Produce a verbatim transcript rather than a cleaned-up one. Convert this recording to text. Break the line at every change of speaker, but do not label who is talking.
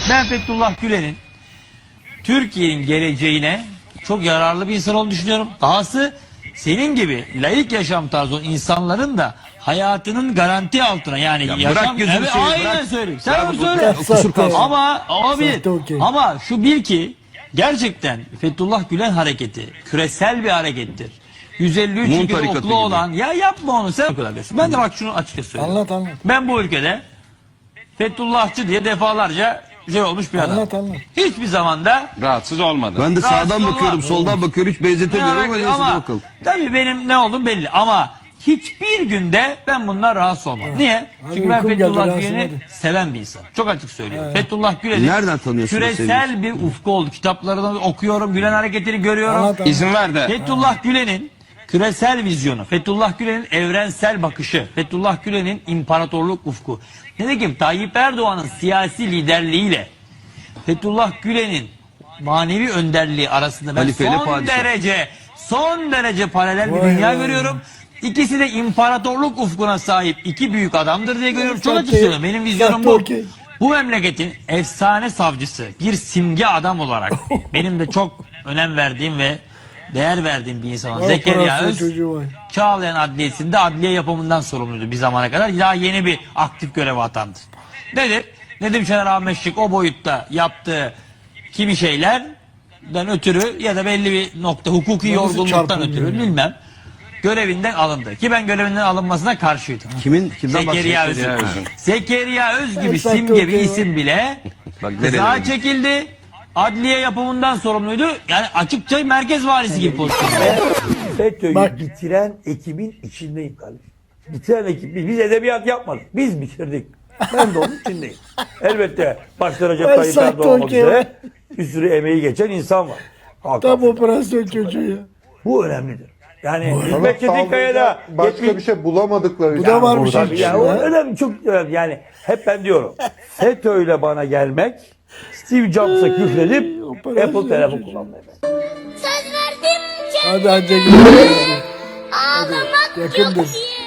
Ben Fethullah Gülen'in Türkiye'nin geleceğine çok yararlı bir insan olduğunu düşünüyorum. Dahası senin gibi laik yaşam tarzı olan insanların da hayatının garanti altına, yani
Ya
yaşam...
bırak gözünü
Evet,
seveyim,
aynen
bırak.
söyleyeyim. Sen
Ya
onu
bu-
söyle.
Kusur kalsın.
Ama abi,
Sahte okey.
ama şu bir ki gerçekten Fethullah Gülen hareketi küresel bir harekettir. yüz elli üç
Mum
ülkede
tarikatı
okulu
gibi.
olan, ya yapma onu sen o kadar diyorsun. Ben de bak şunu açıkça söyleyeyim.
Anlat anlat.
Ben bu ülkede Fethullahçı diye defalarca şey olmuş bir adam.
Anlat anlat.
Hiçbir zamanda
Rahatsız olmadı.
Ben de
Rahatsız
sağdan
olma.
bakıyorum, soldan bakıyorum, hiç benzetemiyorum ama neyse
ama
bakalım.
tabii benim ne olduğum belli ama hiçbir günde ben bundan rahatsız olmam. Niye? Çünkü ben
uykum geldi,
Fethullah
rahatsız
Gülen'i
olmadı.
seven bir insan. Çok açık söylüyorum. Fethullah Gülen'i
Nereden tanıyorsun da
küresel bir ufku oldu. Kitaplarını okuyorum, Gülen hareketini görüyorum.
Anlat, anlat.
İzin ver de.
Fethullah Gülen'in küresel vizyonu, Fethullah Gülen'in evrensel bakışı, Fethullah Gülen'in imparatorluk ufku. Nitekim Tayyip Erdoğan'ın siyasi liderliğiyle Fethullah Gülen'in manevi önderliği arasında ben
Halifeyle
son
padişah.
derece son derece paralel bir
Vay
dünya
vay.
görüyorum. İkisi de imparatorluk ufkuna sahip iki büyük adamdır diye görüyorum. Çok açık
Sahte-
söylüyorum. Benim vizyonum
sahte
bu.
okey.
Bu memleketin efsane savcısı, bir simge adam olarak benim de çok önem verdiğim ve değer verdiğim bir insan olan Zekeriya
Operasyon
Öz,
çocuğu var.
Çağlayan Adliyesi'nde adliye yapımından sorumluydu bir zamana kadar. Daha yeni bir aktif göreve atandı. Nedir? Nedim Şener Ahmet Şık o boyutta yaptığı kimi şeylerden ötürü ya da belli bir nokta hukuki
Nasıl
yorgunluktan
çarpılıyor
ötürü
ya?
görevinden görevinden alındı. Ki ben görevinden alınmasına karşıydım.
Kimin, kimden
Zekeriya
bahsediyorsun?
Öz'ün.
Öz'ün.
Zekeriya Öz gibi
Sahte
simge bir
okey
isim bile
Bak
kıza
nereye?
çekildi. Adliye yapımından sorumluydu. Yani açıkça merkez valisi gibi pozisyonda.
FETÖ'yü
Bak.
bitiren ekibin içindeyim kardeşim. Bitiren ekip. Biz, biz edebiyat yapmadık. Biz bitirdik. Ben de onun içindeyim. Elbette başta Recep
Ben
Tayyip
sahte
Erdoğan olmak
okey.
üzere bir sürü emeği geçen insan var. Hakan
Tam
Fidan.
operasyon çocuğu ya.
Bu önemlidir. Yani
Ama
Hikmet Çetinkaya'da
başka bir şey bulamadıkları
Bu da var bir şey.
Tabii ya, o önemli, çok önemli. Yani hep ben diyorum. FETÖ'yle bana gelmek, Steve Jobs'a küfredip
operasyon
Apple telefon
çocuğu.
kullanmaya.
Söz verdim
Hadi anca gidelim.
ağlamak
Yakındır.
yok diye.